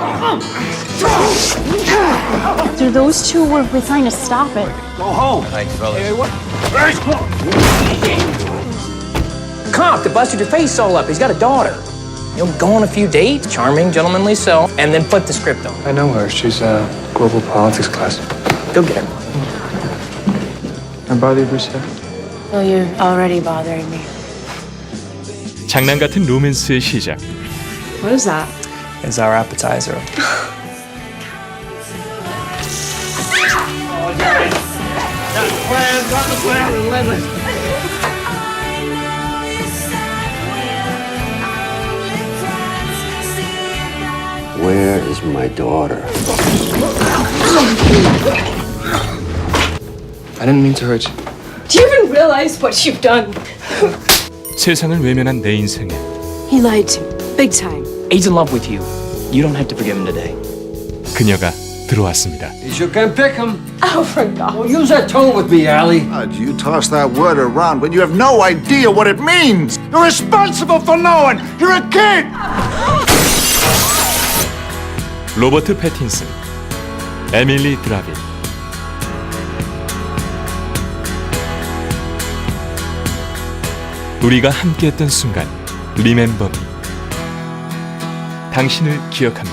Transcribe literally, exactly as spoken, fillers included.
Do those two were trying to stop it? Go home. Thanks, fellas. Hey, what? Cop that busted your face all up. He's got a daughter. You'll go on a few dates, charming, gentlemanly self, and then flip the script on. I know her. She's a global politics class. Go get her. I bother you, Brewster? Well, you're already bothering me. 장난 같은 로맨스의 시작. What is that? It's our appetizer. Where is my daughter? I didn't mean to hurt you. Do you even realize what you've done? 세상을 외면한 내 인생에 He lied to me. Big time. He's in love with you. You don't have to forgive him today. 그녀가 들어왔습니다. You sure can pick him. Oh, for God. Well, use that tone with me, Allie. God, you toss that word around when you have no idea what it means. You're responsible for knowing. You're a kid. 로버트 패틴슨, 에밀리 드라빈. 우리가 함께했던 순간, 리멤버 미. 당신을 기억합니다.